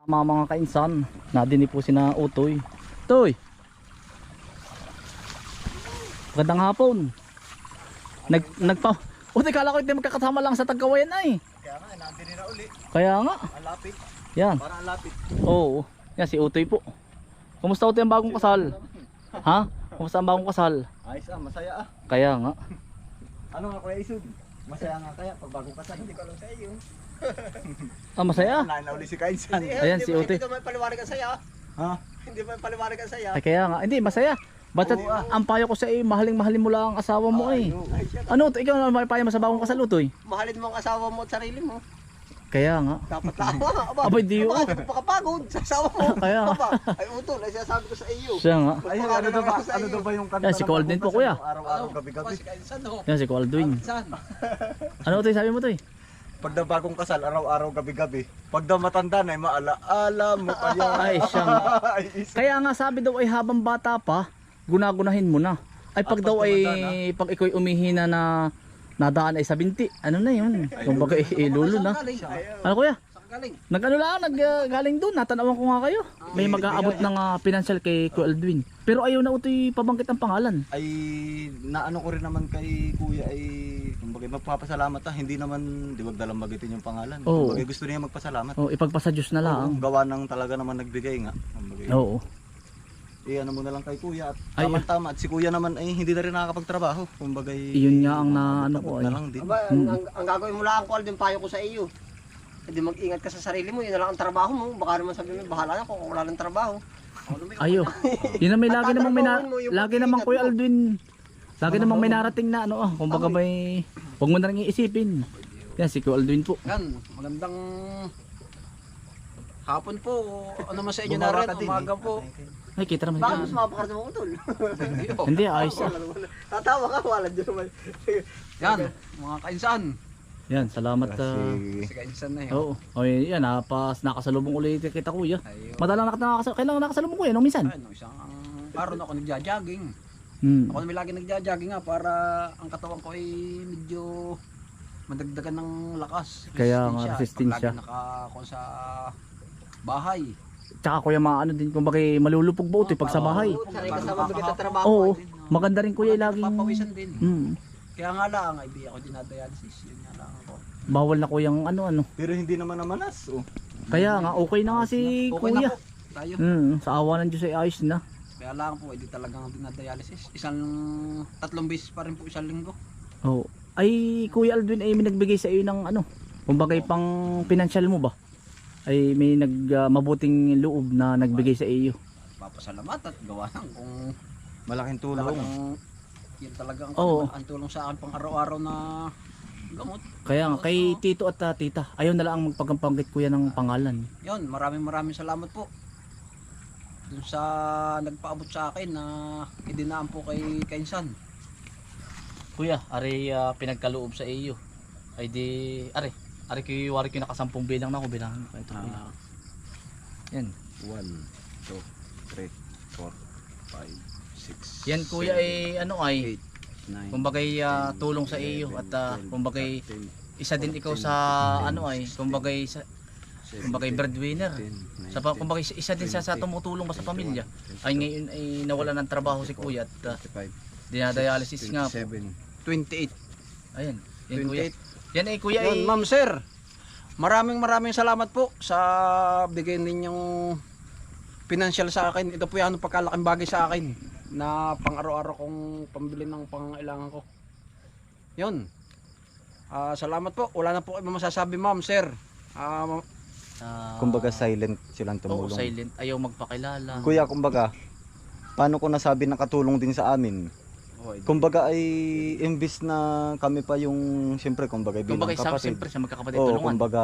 Mga kainsan, nadinig po sina Utoy. Toy! Magandang hapon. Utoy, kala ko hindi magkakasama lang sa Tagkawayan ay. Kaya nga, nandun na uli. Kaya nga. Alapit. Yan. Para alapit. Oo. Yan si Utoy po. Kumusta Utoy ang bagong kasal? Ha? Kumusta ang bagong kasal? Ayos masaya Kaya nga. Ano nga Kuya Isud? Masaya nga kaya pag bagong kasal. Hindi ko alam sa iyo. Masaya. Nauli si Kainsan. Ayan si Utoy. Hindi mo paliwanag ang saya. Ha? Hindi mo paliwanag ang saya. Ay kaya nga. Hindi, masaya. Ba't ang payo ko sa iyo, mahaling-mahalin mo lang ang asawa mo eh. Ano, ikaw na may payo mo sa bagong kasal Utoy? Mahalin mo ang asawa mo at sarili mo. Kaya nga. Dapat lang. Abay, di yun. Bakit makapagod sa asawa mo? Kaya nga. Ay utol, ay sinasabi ko sa iyo. Siya nga. Ay, ano daw ba yung kanta? Yan, si ng Colden po, bagong kuya. kasal? Araw-araw, gabi-gabi. Yan si Kualdwin. Ano Utoy, sabi mo Utoy? Pag daw bagong kasal, araw-araw, gabi-gabi. Pag daw matanda na, maala-ala mo kaya. Ay, siya nga. Ay, isa. Kaya nga sabi daw ay habang bata pa, gunagunahin mo na. Ay pag Pag daw ay tumanda pag iko'y umihina na nadaan ay sa binti, ano na yun? Kumbaga ilulo na. Ano kuya? Galing. Nag-ano lang, galing doon. Natanawan ko nga kayo. May mag-aabot ng financial kay Kuya Aldwin. Pero ayaw na utoy pabangkit ang pangalan. Ay naano ko rin naman kay kuya ay kumbaga magpapasalamat hindi naman di wag dalang bagitin yung pangalan. Oo. Kumbaga gusto niya magpasalamat. Oh, ipagpasa Diyos na lang. Oo, gawa ng talaga naman nagbigay nga. Kumbaga, Oo. ano mo na lang kay kuya at Ay, tama at si kuya naman ay hindi na rin nakakapagtrabaho. Kumbaga Iyon nga ang naano ko na ay. lang din. Aba, ang gagawin mo lang ko din payo ko sa iyo. Hindi mag-ingat ka sa sarili mo, yun na lang ang trabaho mo. Baka naman sabihin mo, bahala na kung wala ng trabaho. Ayo. Yun na may lagi namang may lagi namang Kuya mo. Aldwin. Lagi namang may narating na ano kumbaga may wag mo na ring iisipin. Yan si Kuya Aldwin po. Yan, magandang hapon po. Ano man sa inyo na Bumaba rin, ka din, umaga eh. po. Ay kita naman Bakit yan. mas mapakarte mo utol? Hindi ayos ah. Tatawa ka, wala dyan naman. Yan, mga kainsan. Yan, salamat. Si kainsan na yun. Oo. Oh, yan, nakasalubong ulit kita kuya. Ayun. Madalang kailangan nakasalubong kuya nung minsan. Ay, no, isang araw na ako nagja-jogging. Hmm. Ako na may lagi nagja-jogging nga para ang katawan ko ay medyo madagdagan ng lakas. Kaya nga, resistensya. Pag lagi naka sa bahay. Tsaka kuya maano din kumbaga malulupog ba utoy pag sa bahay. Sanay ka sa mabigat na trabaho. Oo. Maganda rin kuya laging Papawisan din. Hmm. Kaya nga lang, ay di ako dinadialysis. Yun nga lang ako. Bawal na kuyang ano. Pero hindi naman namanas. Oh. Kaya nga okay na nga si Okay kuya. na po. Tayo. Sa awa ng Diyos ay ayos na. Kaya lang po, hindi talagang dinadialysis. Tatlong beses pa rin po isang linggo. Oo. Ay Kuya Aldwin ay may nagbigay sa iyo ng ano. Kumbaga pang financial mo ba? Ay may mabuting loob na nagbigay sa iyo. Papasalamat at gawa ng kung Malaking tulong. talagang yun talaga Oo. ang tulong sa akin pang araw-araw na gamot. Kaya nga kay tito at tita, ayaw na lang magpagpangkit kuya ng pangalan. Yun, maraming salamat po. Dun sa nagpaabot sa akin na idinaan po kay Kainsan. Kuya, ari pinagkaloob sa iyo. Ay di, ari wari ko nakasampung bilang na ako bilangan ko ito. Kuya. Yan. 1, 2, 3, 4, 5, 6. Yan kuya ay ano ay 9. kumbaga tulong sa iyo at kumbaga isa din ikaw sa ano ay kumbaga breadwinner. Sa kumbaga isa din sa tumutulong sa pamilya. Ay ngayon ay nawala ng trabaho si kuya at dinadialysis nga po. 28. Ayan. Yan kuya. Yan ay kuya ay Yun, ma'am sir. Maraming salamat po sa bigay ninyong financial sa akin. Ito po yung pagkalaking bagay sa akin na pang araw-araw kong pambili ng pangailangan ko. Yun. Salamat po. Wala na po kayo masasabi ma'am sir. Kumbaga silent silang Oo, tumulong. silent. Ayaw magpakilala. Kuya, kumbaga, paano ko nasabi na katulong din sa amin? Kumbaga ay imbis na kami pa yung siyempre kumbaga bilang Kumbaga isa kapatid. siyempre sa magkakapatid Oo, tulungan. kumbaga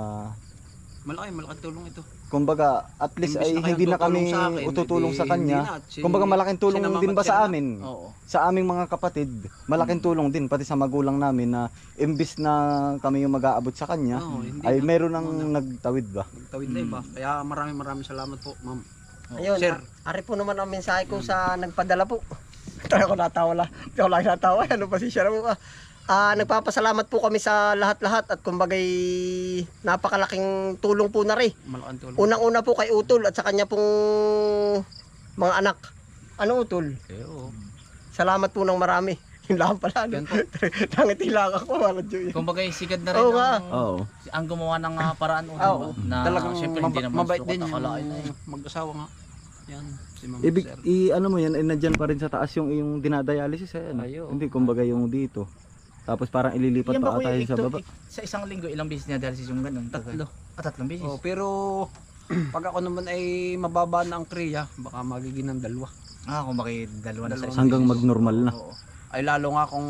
Malaking tulong ito. kumbaga at least Imbis ay na kayong hindi na kami tutulong sa akin, ututulong edi sa kanya. hindi na. Kumbaga malaking tulong Sinamamat din ba siya sa na? amin? Oo. Sa aming mga kapatid, malaking tulong din pati sa magulang namin na imbis na kami yung mag-aabot sa kanya, Oo, hindi ay na. meron ng nagtawid ba? Nagtawid na iba. Kaya maraming salamat po ma'am. Ayun, Sir. ari po naman ang mensahe ko sa nagpadala po. Tayo ko natawa lang. Hindi ako lang natawa. Ano pa si Shara mo ka? Nagpapasalamat po kami sa lahat-lahat at kumbagay napakalaking tulong po na rin. Malaking tulong. Unang-una po kay Utol at sa kanya pong mga anak. Ano Utol? Oo. Salamat po ng marami. Yun lang pala. Yan po. Nangiti lang ako. Kumbaga sigad na rin Oo nga. Oo. ang gumawa ng paraan Oo. na Talagang syempre hindi naman mabait sukat din akalain yung eh. mag-asawa nga. Yan, si Ma'am Ibig, Sir. ano mo yan, nandiyan pa rin sa taas yung dinadialysis eh. Ano? Ayo. Hindi, kumbaga yung dito. Tapos parang ililipat Yan ba pa kuya, tayo sa baba. sa isang linggo ilang beses niya dialysis yung ganun? Tatlo. Tatlong beses. Oh, pero pag ako naman ay mababa na ang kriya, baka magiging ng 2. Kung bakit dalawa na sa isang Hanggang beses. magnormal na. Oo. Ay lalo nga kung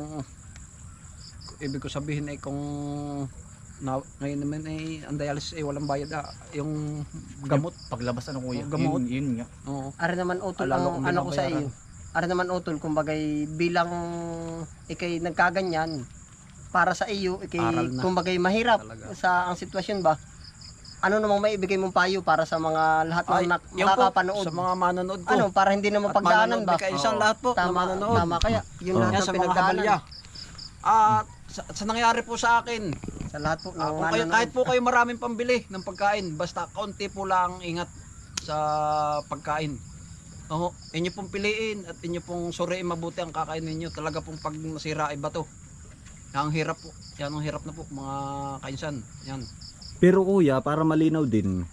ibig ko sabihin ay kung ngayon naman ay ang dialysis ay walang bayad yung gamot. Paglabas ano kuya? Gamot. Yun nga. Oo. Ara naman Utol Lalo ang kung ano ko sa binabayaran. iyo. Ara naman Utol kumbagay bilang ikay nagkaganyan para sa iyo ikay Aral na. kumbagay mahirap Talaga. sa ang sitwasyon ba? Ano namang maibigay mong payo para sa mga lahat Ay, ng yun po, makakapanood? sa mga manonood ko. Ano para hindi naman At pagdaanan manonood ba? ni kaisang Oo. lahat po na Tama, manonood. tama kaya. Yun Oo. lahat Yan ng sa mga pinagdaanan. habalya. At sa nangyari po sa akin, Sa lahat po ng kung kayo, nanonood. kahit po kayo maraming pambili ng pagkain, basta kaunti po lang ingat sa pagkain. Oo, inyo pong piliin at inyo pong suriin mabuti ang kakain ninyo. Talaga pong pag nasira ay bato. Ang hirap po. Yan ang hirap na po mga kainsan. Yan. Pero kuya, para malinaw din.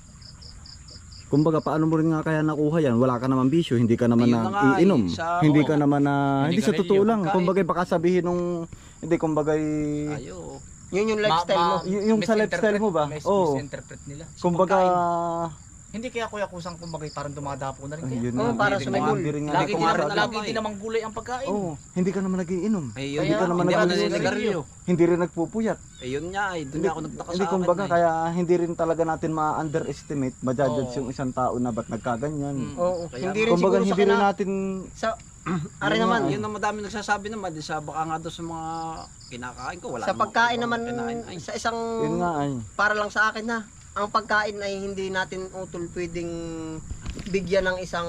Kumbaga, paano mo rin nga kaya nakuha yan? Wala ka naman bisyo, hindi ka naman Ayun na nga, na iinom. Hindi oo. ka naman na, Hindi hindi sa ka totoo reliyo, lang. pagkain. Kumbaga, baka sabihin nung, hindi, kumbaga, Ayo. Yun yung lifestyle mo. yung sa lifestyle mo ba? Oo. Misinterpret nila. kumbaga, Hindi kaya kuya kusang kumbaga parang dumadapo na rin kaya. ayun Oo, nga, para hindi sa may ko goal. hindi rin nga Lagi ako din nga naman, masabi. rin lagi din naman gulay ang pagkain. Oo, hindi ka naman nagiinom. Ayun. Hindi ka naman Hindi ako nagsigarilyo. naninigarilyo. Hindi rin nagpupuyat. Ayun nga, ay doon Hindi, ako nagtaka sa hindi akin. kumbaga, eh. kaya hindi rin talaga natin ma-underestimate, ma-judge Oo. yung isang tao na ba't nagkaganyan. Oo, Kaya hindi rin Kumbaga, siguro sa hindi rin kina... natin, Sa... Ari naman, Yun ang madami nagsasabi naman, di sa baka nga doon sa mga kinakain ko, wala sa namang pagkain ibang naman, kinain. Ay, sa isang... yun nga ay. Para lang sa akin na, ang pagkain ay hindi natin Utol pwedeng bigyan ng isang...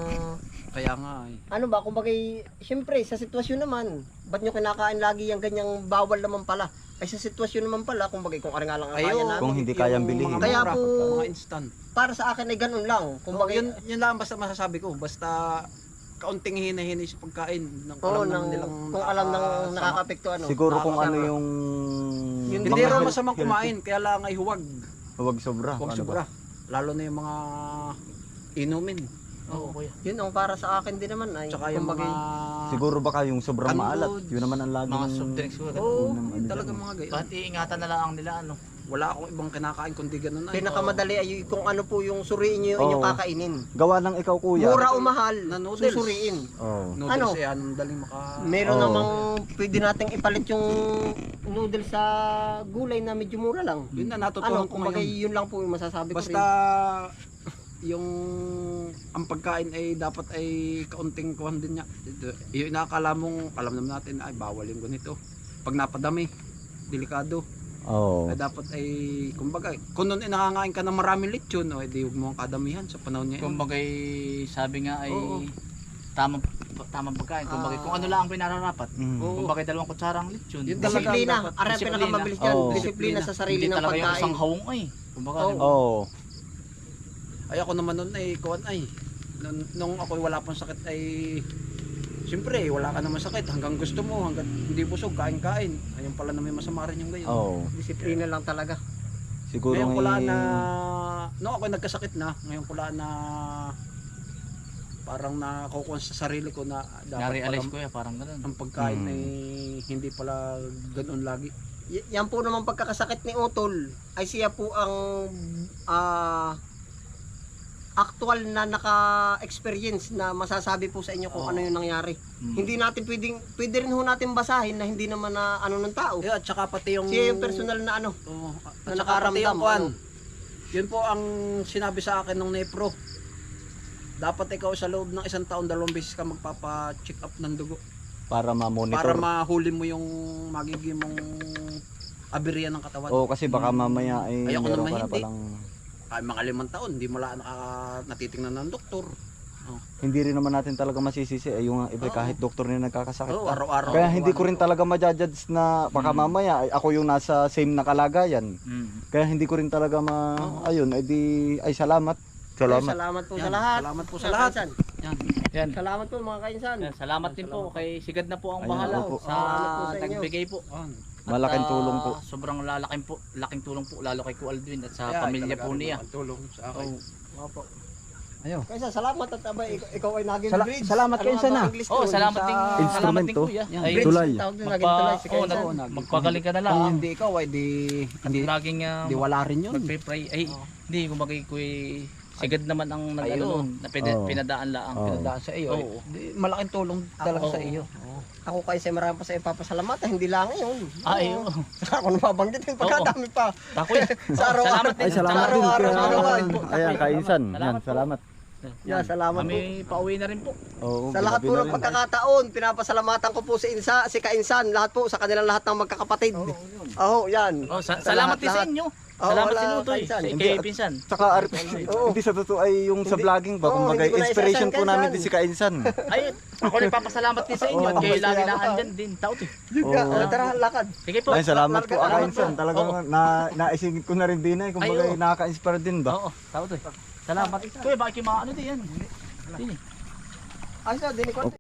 kaya nga ay. Ano ba, kumbaga, siyempre, sa sitwasyon naman, ba't nyo kinakain lagi yung ganyang bawal naman pala? Ay sa sitwasyon naman pala, kumbaga, kung ari nga lang ang kaya Ayo, namin. Kung hindi kayang yung bilhin. mga Kaya mura, po- mga instant. Para sa akin ay ganun lang. Kumbaga, Kumbaga, yun lang basta masasabi ko, basta kaunting hinahinay sa pagkain. Nang Oo, alam naman nilang kung alam ng nakakasama. nakakapekto ano. Siguro kung ano nakakasama. yung... Yung Hindi mga raw health- masamang kumain, kaya lang ay huwag. Huwag sobra. Huwag Ano sobra. ba? Lalo na yung mga inumin. Oo kuya. Yun ang para sa akin din naman ay Tsaka yung kumbaga, mga... Siguro baka yung sobrang Canned maalat. goods, Yun naman ang lagi Mga ng... soft drinks ko. Oo, Unang ano talaga dyan. mga gayon. Bakit iingatan na lang nila ano? Wala akong ibang kinakain kundi ganun ay. pinakamadali ay kung ano po yung suriin nyo yung inyong Oo. kakainin. Gawa ng ikaw kuya. Mura o mahal, Na noodles. susuriin. Oo. Noodles Ano? eh, anong daling maka... Meron Oo. namang pwede nating ipalit yung noodles sa gulay na medyo mura lang. Yun na, natutuhan Ano, ko kumbaga ngayon. yun lang po yung masasabi Basta ko rin. yung ang pagkain ay dapat ay kaunting kuhan din niya. Yung inaakala mong alam naman natin ay bawal yung ganito. Pag napadami, delikado. Oo. Ay dapat ay kumbaga kung noon ay nakakain ka ng maraming lechon, o edi huwag mo ang kadamihan sa panahon niya. Kumbaga sabi nga ay Oo. tamang pagkain. Kumbaga kung ano lang ang pinararapat. Mm. Oo. Kumbaga 2 kutsarang lechon. Yun talaga. Disiplina, dapat. ari ang Disiplina. pinakamabilis dyan. Oo. Disiplina sa sarili Hindi ng talaga yung pagkain. isang hawong ay. Kumbaga Oo. diba? Oo. Ay ako naman noon ay kuhan ay nung ako wala pang sakit ay siyempre wala ka naman sakit hanggang gusto mo hanggang hindi busog kain-kain. Ayun pala na may masama rin yung gayon. Oo. Disiplina lang talaga. Siguro Ngayon ko lang eh, na nung ako nagkasakit na, ngayon ko lang na parang nakukuha sa sarili ko na dapat Na-realize pala ko ya parang gano'n. ang pagkain Hmm. ay hindi pala ganoon lagi. Yan po naman pagkakasakit ni Utol ay siya po ang actual na naka-experience na masasabi po sa inyo kung Oo. ano yung nangyari. Mm. Hindi natin pwede rin ho natin basahin na hindi naman na ano ng tao. Yeah, at saka pati yung Siya yung personal na ano. Oo, na at saka pati nakaramdam, yung kuwan. ano. Yun po ang sinabi sa akin ng Nepro. Dapat ikaw sa loob ng 1 taon 2 beses ka magpapa-check up ng dugo para ma-monitor. para mahuli mo yung magiging mong aberya ng katawan. Oo, kasi baka mamaya ay Ayoko meron naman ka na hindi. palang... Ay mga 5 taon, hindi mo lang natitingnan ng doktor. hindi rin naman natin talaga masisisi yung iba kahit doktor na nagkakasakit. Oo, Araw-araw. Kaya hindi ko rin talaga ma-judge na baka mamaya ay ako yung nasa same na kalagayan. Kaya hindi ko rin talaga ayun, ay salamat. Salamat. Salamat po Yan, sa lahat. salamat po sa Mga lahat. kainsan. Yan. Yan. Salamat po mga kainsan. Yan, salamat din po kay Sigad na po ang Ayan, bahala opo. sa Salamat po sa inyo. nagbigay po. Yan. At, Malaking tulong po. Sobrang laking tulong po lalo kay Ku Aldwin at sa Kaya, pamilya talaga po niya. ang tulong sa akin. Opo. Ayo. Kainsan, salamat at abay, ikaw ay naging bridge. salamat Ano kainsan, nga ba ah. ang English Oh, doon? salamat din. Salamat din Instrumento. kuya. Yan, Ay, Bridge, Tulay. tawag doon, naging tulay si oh, kainsan. magpagaling ka na lang. Kung ah. hindi ikaw ay hindi Laging di wala rin yun. magpe-pray. Ay, hindi kumagay kuy Sigad naman ang nag-ano nun, na Oo. pinadaan lang. Oo. Pinadaan sa iyo. Oo. Malaking tulong talaga Oo. sa iyo. Ako kainsan, marami pa sa ipapasalamat. Hindi lang ngayon. Ay, Oo. oo. Saka ako nababanggit yung pagkadami pa. Takoy. Sa araw-araw. Salamat din. Ay salamat din Araw-araw, kaya araw-araw. ayan kainsan. Yan, Salamat po. salamat. Yan, salamat po. Kami pauwi na rin po. Oo, Sa lahat po grabe na ng rin. pagkakataon, pinapasalamatan ko po si Kainsan, lahat po, sa kanilang lahat ng magkakapatid. Oo, yan. Oh, salamat din sa lahat. inyo. Oo, Salamat wala, din Utoy. Kainsan. Kay Hindi, at- Pinsan. Tsaka hindi sa totoo ay yung sa Hindi- vlogging ba, Oo, kumbaga hindi ko na inspiration isasan, po namin Kainsan. din si Kainsan. Ay, ako rin papasalamat din sa inyo at Oo, kayo lagi salamat na ka. andyan din. Tao to. Yun nga, Oo. tara, lakad. Sige po. Ay salamat po Salamat Kainsan. po. Talagang naisingit ko na rin din ay kumbaga Ay, oo. nakaka-inspire din ba? Oo, tao to. Salamat. Kuya, bakit yung mga ano din yan? Hindi. Ay, sa dinikot.